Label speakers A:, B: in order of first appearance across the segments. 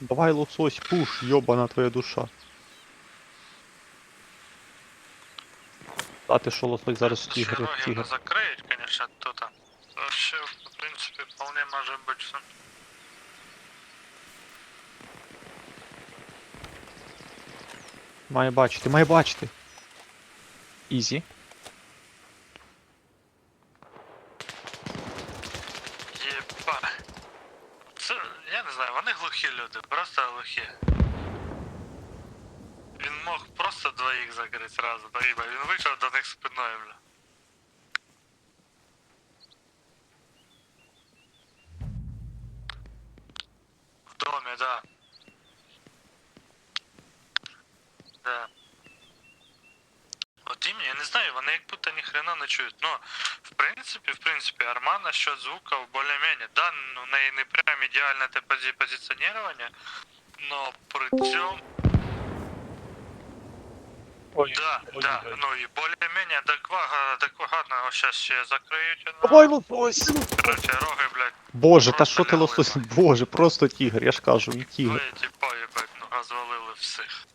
A: Давай, лосось, пуш, ёбана твоя душа. А ти що, лосось, зараз
B: Если
A: тігр, як
B: роги не
A: тігр.
B: закроють, конечно, то там. Вообще, в принципе, вполне может быть все.
A: Має бачити, має бачити. Ізі.
B: Єба. Це, я не знаю, вони глухі люди, просто глухі. Він мог просто двоїх закрити сразу, доїба. Він вийшов до них спиною, бля. В домі, да. Да. От ім'я, я не знаю, вони як будто ні хрена не чують. Ну, в принципі, Арма насчет звуков более-менее. Да, ну, в неї не прям ідеальне те позиціонування, но при цьому...
A: Ой,
B: Да, да, ну і более-менее адекватно, ось щас ще закриють.
A: Давай, лосось!
B: Короче, роги, блядь,
A: Боже, та
B: просто
A: що ти
B: лягли,
A: лосось?
B: нахуй.
A: Боже, просто тігр, я ж кажу, він тігр.
B: Двоє типа, їбать, ну розвалили всіх.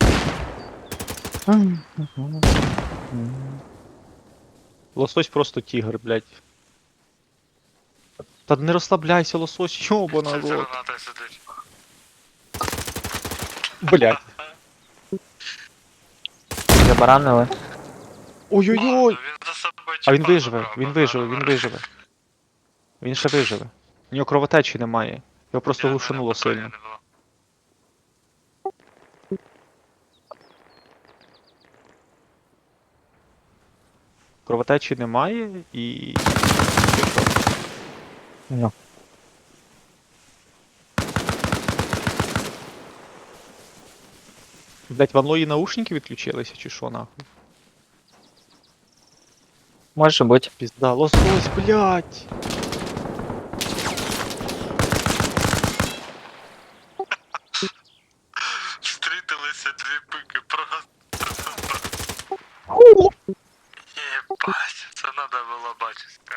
A: Лосось просто тігр, блядь. Та не розслабляйся, лосось, ёбана
B: Це
A: рот.
B: граната сидить.
A: Блядь.
C: Забаранили.
A: Ой-ой-ой!
B: Він за собою
A: А він
B: тіпа
A: виживе,
B: забрав,
A: він
B: базар
A: виживе, він
B: вверх.
A: виживе. Він ще виживе. У нього кровотечі немає. Його просто
B: Я,
A: глушануло
B: мене питання
A: сильно.
B: не було.
A: Кровотечі немає і.
C: Ну.
A: Блять, в Анлої наушники відключилися чи що нахуй?
C: Може бути.
A: Пізда, лосось, блять!
B: Встрітилися дві пики, просто. Єбать, це надо було бачити.